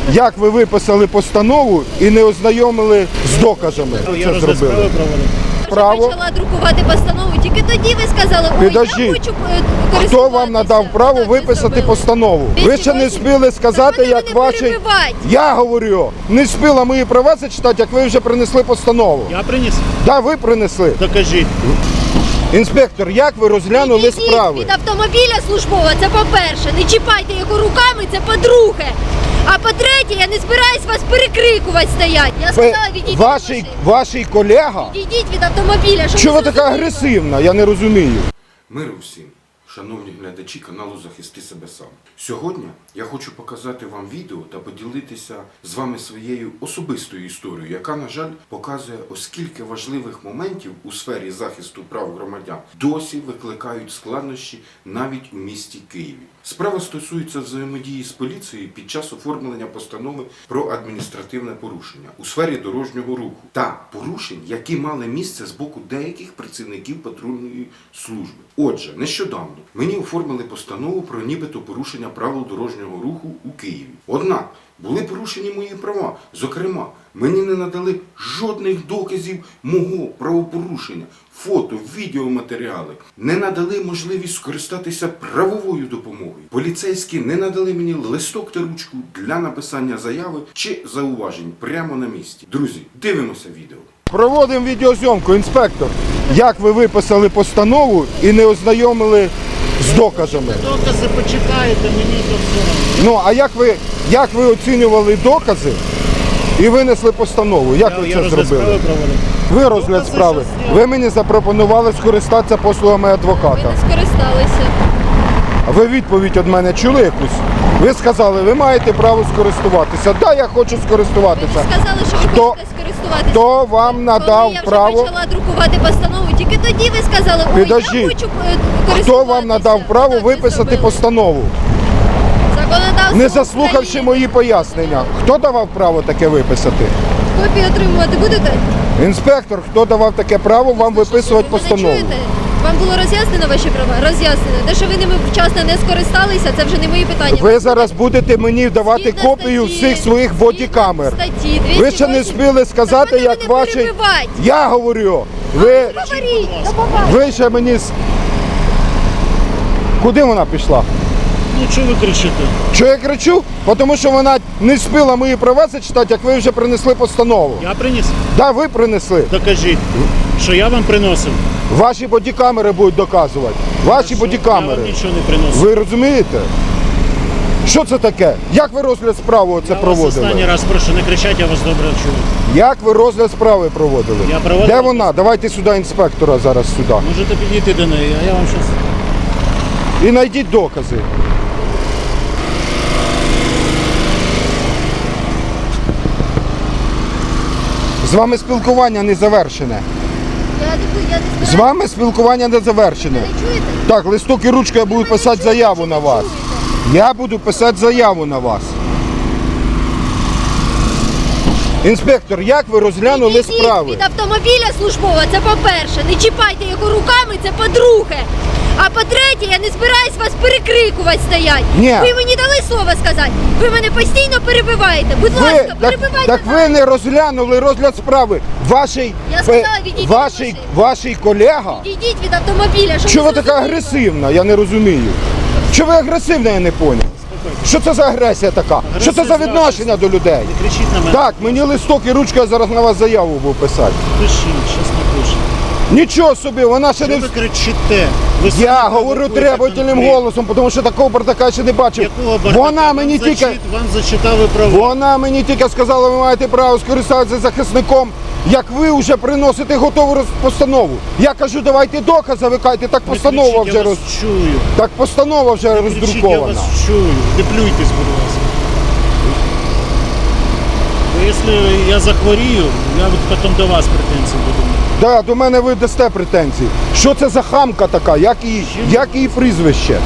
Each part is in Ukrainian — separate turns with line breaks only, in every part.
Як ви виписали постанову і не ознайомили з доказами?
Я розгляд справи проводив.
Право.
Почала друкувати постанову, тільки тоді ви сказали, ой,
Підождіть.
я хочу
Хто вам надав право
Так,
виписати
зробили.
постанову? Ви ще не
208.
спіли сказати,
Так ви
як
мене
ваші...
перебивайте.
Я говорю, не спіла мої права зачитати, як ви вже принесли постанову.
Я приніс?
Да, ви принесли.
Докажіть.
Інспектор, як ви розглянули
Відійдіть
справи?
від автомобіля службового, це по-перше. Не чіпайте його руками, це по-друге. А по-третє, я не збираюсь вас перекрикувати стоять. Я сказала, відійдіть від машини.
Ваший колега?
Відійдіть від автомобіля. Щоб
Чого ви
ви
така
зрозуміли.
агресивна? Я не розумію.
Миру всім, шановні глядачі каналу «Захисти себе сам». Сьогодні я хочу показати вам відео та поділитися з вами своєю особистою історією, яка, на жаль, показує, оскільки важливих моментів у сфері захисту прав громадян досі викликають складнощі навіть у місті Києві. Справа стосується взаємодії з поліцією під час оформлення постанови про адміністративне порушення у сфері дорожнього руху та порушень, які мали місце з боку деяких працівників патрульної служби. Отже, нещодавно мені оформили постанову про нібито порушення правил дорожнього руху у Києві. Однак були порушені мої права. Зокрема, мені не надали жодних доказів мого правопорушення, фото, відеоматеріали. Не надали можливість скористатися правовою допомогою. Поліцейські не надали мені листок та ручку для написання заяви чи зауважень прямо на місці. Друзі, дивимося відео.
Проводимо відеозйомку, інспектор. Як ви виписали постанову і не ознайомили з доказами?
Докази почекаєте, мені то все.
Ну, а як ви оцінювали докази і винесли постанову? Як ви
Я
це
розгляд
зробили?
справи проводив.
Ви розгляд
Докази
справи.
щас є.
Ви мені запропонували скористатися послугами
Ви
адвоката.
не скористалися.
А ви відповідь від мене чули якусь? Ви сказали, ви маєте право скористуватися. Так, я хочу
Ви
скористуватися.
не сказали, що ви
Хто-
хочете скористуватися.
Хто вам надав
Коли я вже
право?
почала друкувати постанову, тільки тоді ви сказали, ой,
Підождіть.
я хочу користуватися.
Хто вам надав право
Так ви
виписати
зробили.
постанову?
Законодавство
Не заслухавши
України.
мої пояснення. Хто давав право таке виписати?
Копію отримувати будете?
Інспектор, хто давав таке право вам виписувати
Ви мене
постанову?
чуєте? Вам було роз'яснено ваші права? Роз'яснено. Те, що ви ними вчасно не скористалися, це вже не мої питання.
Ви зараз будете мені давати
Згідно
копію
статті-
всіх своїх
згідно
бодікамер.
статті
Ви ще не
208.
спіли сказати,
Так ви
як
мене
ваші...
перебивайте.
Я говорю, ви...
Говоріть, до побачення.
Ви ще мені... Куди вона пішла?
Ну чого ви кричите?
Що я кричу? Тому що вона не спіла мої права зачитати, як ви вже принесли постанову.
Я приніс?
Да, ви принесли.
Докажіть, що я вам приносив.
Ваші бодікамери будуть доказувати. Ваші
Я
бодікамери.
вам нічого не приносив.
Ви розумієте? Що це таке? Як ви розгляд справи оце
Я вас останній
проводили?
раз прошу, не кричать, я вас добре чую.
Як ви розгляд справи проводили?
Я проводив
Де
розгляд.
вона? Давайте сюди інспектора зараз сюди.
Можете підійти до неї, а я вам щось...
І знайдіть докази. З вами спілкування не завершене.
Я не
З вами спілкування не завершене.
Не чуєте?
Так, листок і ручка, я буду писати заяву на вас. Я буду писати заяву на вас. Інспектор, як ви розглянули
Відійдіть
справи?
від автомобіля службового, це по-перше. Не чіпайте його руками, це по-друге. А по-третє, я не збираюсь вас перекрикувати стоять.
Ні.
Ви мені дали слово сказати. Ви мене постійно перебиваєте. Будь
Ви,
ласка, перебивайте.
так ви не розглянули розгляд справи. Ваший,
Я сказала, відійдіть від машини.
ваший колега.
Відійдіть від автомобіля. Щоб
Чого ви
ви
така
зрозуміли.
агресивна? Я не розумію. Чого ви агресивна, я не поняв. Що це за агресія така? Що це за відношення до людей?
Не кричіть на мене.
Так, мені листок і ручка, я зараз на вас заяву буду писати.
Пишіть, щас напишу.
Нічого собі, вона ще
Що
не...
ви кричите? Ви самі
Я говорю
провокуєте
требовательним
конфлікт.
голосом, тому що такого бардака ще не бачив.
Якого бардака?
Вона мені тільки...
Вам зачитали права.
Вона мені тільки сказала, ви маєте право скористатися захисником, як ви вже приносите готову постанову. Я кажу, давайте докази, ви кажете, так
Не
постанова
кричіть,
вже
я вас чую.
Так постанова вже
Не кричіть, я
роздрукована.
вас чую. Не плюйтесь, будь ласка. Бо якщо я захворію, я от потім до вас претензії буду.
Да, до мене ви дасте претензії. Що це за хамка така? Як її прізвище?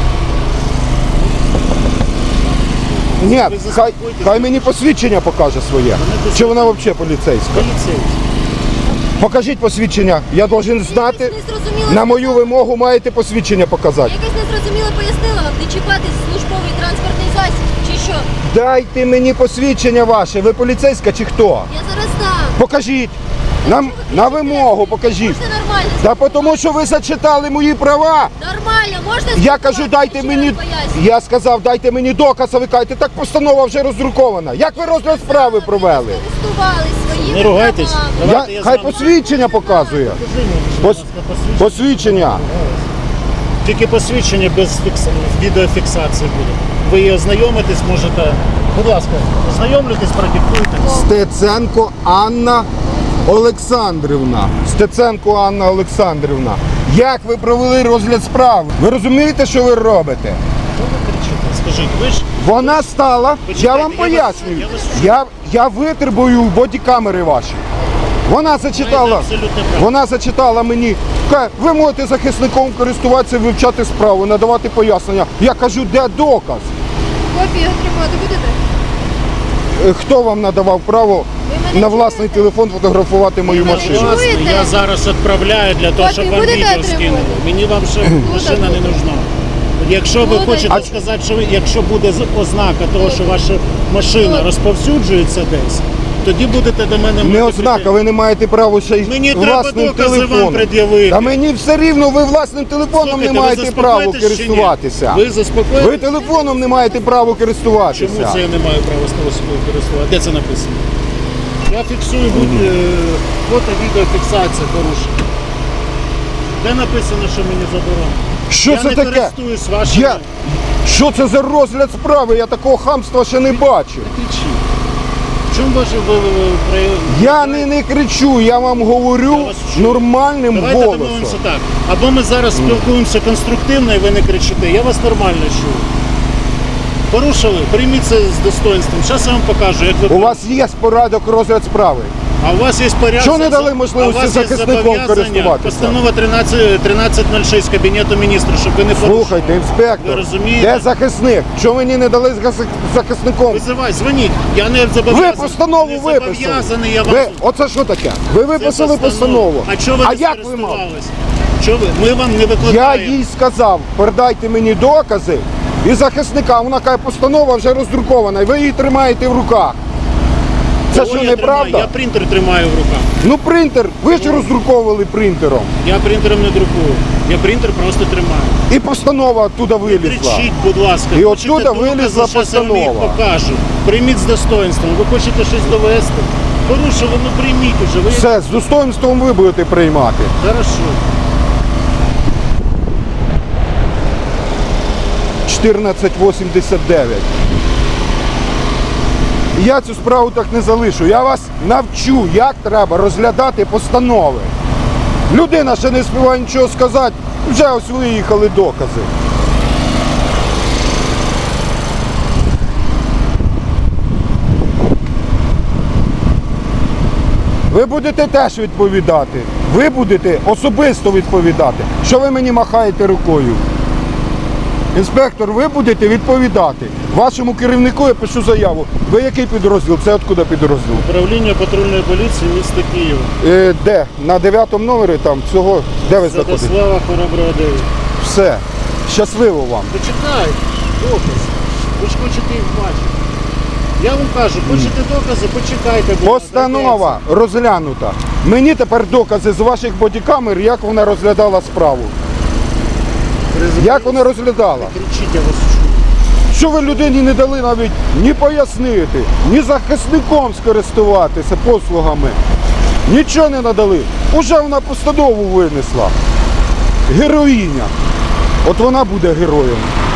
Ні, хай мені посвідчення покаже своє. Чи вона взагалі поліцейська?
Поліцейський.
Покажіть посвідчення. Я должен знати.
Якось незрозуміло
На мою
сказала.
вимогу маєте посвідчення показати.
Якось незрозуміло пояснила вам, не чіпати службовий транспортний засіб, чи що?
Дайте мені посвідчення ваше. Ви поліцейська чи хто?
Я зараз дам.
Покажіть. На вимогу покажіть.
Можна нормально?
Та тому, що ви зачитали мої права.
Нормально, можна
Я кажу, дайте мені. Я сказав, дайте мені доказ, а ви кажете, так постанова вже роздрукована. Як ви розгляд справи провели?
Користувались своїми
Не ругайтесь.
правами.
Давайте я з
Хай
вами-
посвідчення показує.
Покажи мені, будь ласка, посвідчення.
Посвідчення.
Тільки посвідчення без відеофіксації буде. Ви її ознайомитесь, можете. Будь ласка, ознайомлюйтесь, продиктуйте.
Стеценко Анна Олександрівна. Стеценко Анна Олександрівна. Як ви провели розгляд справи? Ви розумієте, що ви робите?
Що ви кричите? Скажіть, ви ж
Вона стала, я
Почекайте,
вам
я
пояснюю.
вас-
Я витребую бодікамери ваші. Вона зачитала,
Маєте абсолютне право.
вона зачитала мені, каже, ви можете захисником користуватися, вивчати справу, надавати пояснення. Я кажу, де доказ?
Копію отримувати будете?
Хто вам надавав право
мене
на власний
чуєте?
телефон фотографувати мою
мене
машину?
чуєте?
Власне, я зараз відправляю для того, щоб
Копію
вам
будете
відео
отримувати?
скинули. Мені вам ще машина не нужна. Якщо ви
Будете.
хочете сказати, що якщо буде ознака того, що ваша машина
Будете.
розповсюджується десь, тоді будете до мене
Не
мати
ознака,
претензії.
ви не маєте права ще й
Мені треба
власним
докази вам
телефоном.
пред'явити.
Та мені все рівно, ви власним телефоном
Слухайте,
не
ви
маєте права
заспокоїтесь чи ні?
користуватися.
Ви заспокоїтесь?
Ви телефоном не маєте права користуватися.
Чому це я не маю права з того собою користувати? Де це написано? Я фіксую фото-відеофіксація порушення. Де написано, що мені заборонено?
Що
я
це
не
таке?
користуюсь вашими.
Що це за розгляд справи? Я такого хамства ще не бачив.
Кричіть. В чому ваше
Я не кричу, я вам
Я
говорю
вас чую.
нормальним
Давайте
голосом.
домовимося так. Або ми зараз спілкуємося конструктивно і ви не кричите. Я вас нормально чую. Порушили, прийміть це з достоинством. Зараз я вам покажу, як ви
У вас є порядок розгляд справи.
А у вас є порядок.
Чого не дали можливості захисником користуватися?
Постанова 1306 Кабінету міністрів, щоб ви не порушували.
Слухайте,
Ви
інспектор,
розумієте?
де захисник? Чого мені не дали захисником?
Визивай, дзвоніть. Я не зобов'язаний.
Ви постанову
не
виписали.
зобов'язаний я вам.
Ви, оце що таке? Ви
Це
виписали постанову.
А чого ви не
як ви мали?
скористувались? Чого ви? Ми вам не
Я
викладаємо.
їй сказав, передайте мені докази і захисника. Вона каже, постанова вже роздрукована, і ви її тримаєте в руках. Це
Кого
що,
я
неправда?
тримаю? Я принтер тримаю в руках.
Ну принтер, ви ж роздруковували принтером.
Я принтером не друкую. Я принтер просто тримаю.
І постанова оттуда
Не
вилізла.
кричіть, будь ласка.
І
Хочете
оттуда
докази,
вилізла
щас я вам їх
постанова.
покажу. Прийміть з достоинством. Ви хочете щось довести? Порушили, ну прийміть уже. Ви
Все, з достоинством ви будете приймати.
Хорошо.
1489. Я цю справу так не залишу. Я вас навчу, як треба розглядати постанови. Людина ще не співає нічого сказати, вже ось виїхали докази. Ви будете теж відповідати. Ви будете особисто відповідати. Що ви мені махаєте рукою? Інспектор, ви будете відповідати. Вашому керівнику я пишу заяву. Ви який підрозділ? Це откуда підрозділ?
Управління патрульної поліції міста Києва.
Де? На 9 номері там цього. Де ви знаходитесь?
Святослава Хороброго 9.
Все. Щасливо вам.
Почекайте, докази. Ви ж хочете їх бачити. Я вам кажу, хочете докази, почекайте. будь ласка,
Постанова розглянута. Мені тепер докази з ваших бодікамер, як вона розглядала справу.
йдеться.
Як вона розглядала?
Кричіть, я вас чую.
Що ви людині не дали навіть ні пояснити, ні захисником скористуватися послугами. Нічого не надали. Уже вона постанову винесла. Героїня. От вона буде героєм.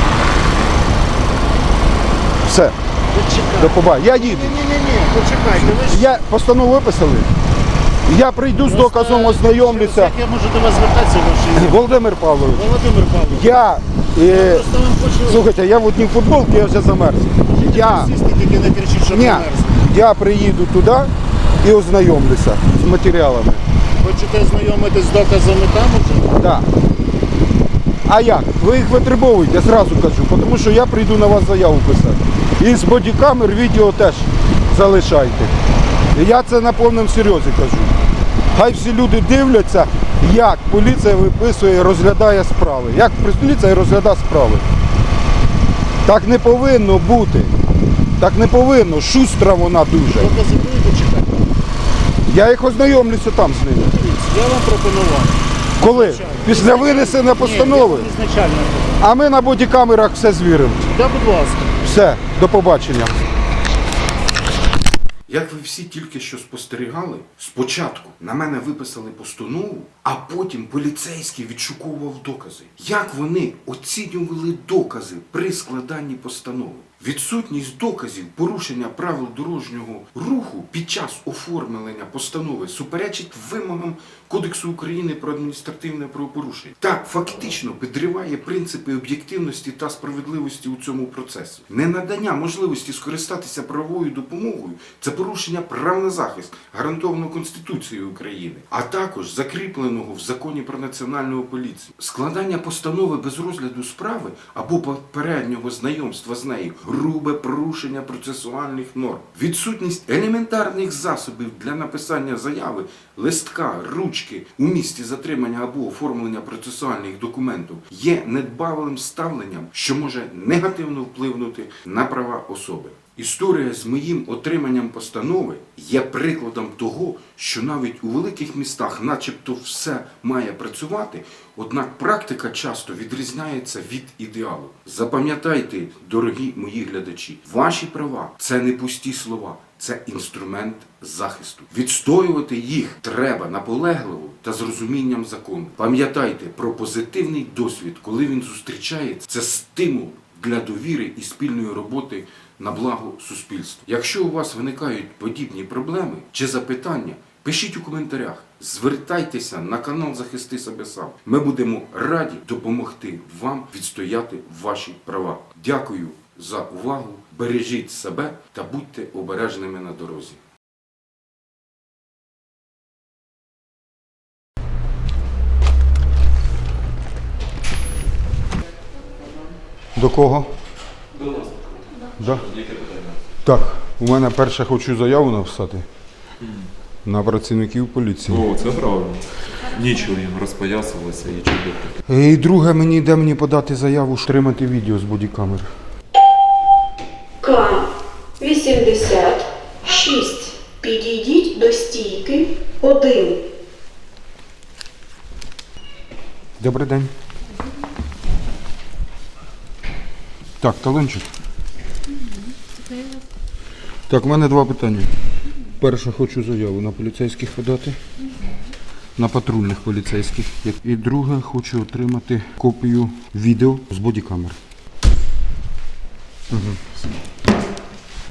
Все,
Почекайте.
до побачення. Я їду.
Ні, почекайте. Ви ж...
Я постанову виписали. Я прийду з доказом, ознайомлюся.
Як я можу до вас звертатися, ваше ім'я?
Володимир Павлович,
Володимир Павлович.
я...
Просто вам хочу...
слухайте, я в одній футболці, я вже замерз. Я...
Сісти, тільки не кричіть, що
Ні,
померзли.
я приїду туди і ознайомлюся з матеріалами.
Хочете ознайомитись з доказами там уже?
Да. А як? Ви їх витребовуєте, я зразу кажу, тому що я прийду на вас заяву писати. І з бодікамер відео теж залишайте. І я це на повному серйозі кажу. Хай всі люди дивляться, як поліція виписує і розглядає справи. Як поліція розглядає справи. Так не повинно бути. Так не повинно. Шустра вона дуже.
Докази будете чекати?
Я їх ознайомлюся там з ними.
Я вам пропонував.
Коли? Після винесення постанови.
Ні, я ізначально.
А ми на бодікамерах все звіримо.
Да, будь ласка.
Все, до побачення.
Як ви всі тільки що спостерігали, спочатку на мене виписали постанову, а потім поліцейський відшуковував докази. Як вони оцінювали докази при складанні постанови? Відсутність доказів порушення правил дорожнього руху під час оформлення постанови суперечить вимогам Кодексу України про адміністративне правопорушення. Так, фактично підриває принципи об'єктивності та справедливості у цьому процесі. Ненадання можливості скористатися правовою допомогою – це порушення прав на захист, гарантованого Конституцією України, а також закріпленого в Законі про національну поліцію. Складання постанови без розгляду справи або попереднього знайомства з нею – грубе порушення процесуальних норм. Відсутність елементарних засобів для написання заяви, листка, ручки у місці затримання або оформлення процесуальних документів є недбалим ставленням, що може негативно впливнути на права особи. Історія з моїм отриманням постанови є прикладом того, що навіть у великих містах начебто все має працювати, однак практика часто відрізняється від ідеалу. Запам'ятайте, дорогі мої глядачі, ваші права – це не пусті слова, це інструмент захисту. Відстоювати їх треба наполегливо та з розумінням закону. Пам'ятайте про позитивний досвід, коли він зустрічається, це стимул для довіри і спільної роботи на благо суспільства. Якщо у вас виникають подібні проблеми чи запитання, пишіть у коментарях, звертайтеся на канал «Захисти себе сам». Ми будемо раді допомогти вам відстояти ваші права. Дякую за увагу, бережіть себе та будьте обережними на дорозі.
До кого?
До нас.
Да?
Яке питання?
Так, у мене перше хочу заяву написати на працівників поліції.
О, це правильно. Нічого їм розпоясувалося і чудово.
І друге, де мені подати заяву, отримати відео з бодікамер.
К-86. Підійдіть до стійки 1.
Добрий день. Так, талончик. Так, в мене два питання. Перше, хочу заяву на поліцейських подати. На патрульних поліцейських. І друге, хочу отримати копію відео з бодікамер. Угу.